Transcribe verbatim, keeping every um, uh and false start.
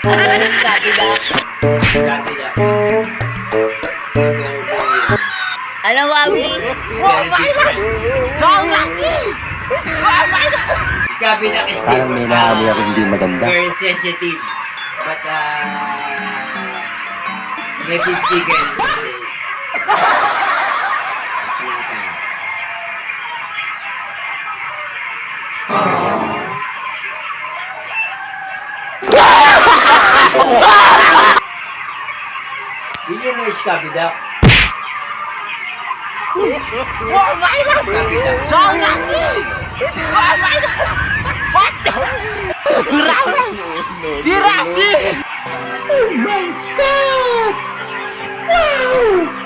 Ano yung Scotty Duck? Scotty Duck. Very, very, Ano, Wawi? very different. Scotty Duck is Parang may different. naamoy ako hindi maganda. Very sensitive. But, uh... native chicken is... Sumata. Did you know Scotty Duck? Scotty Duck. Tirasi! Oh my God! Wow!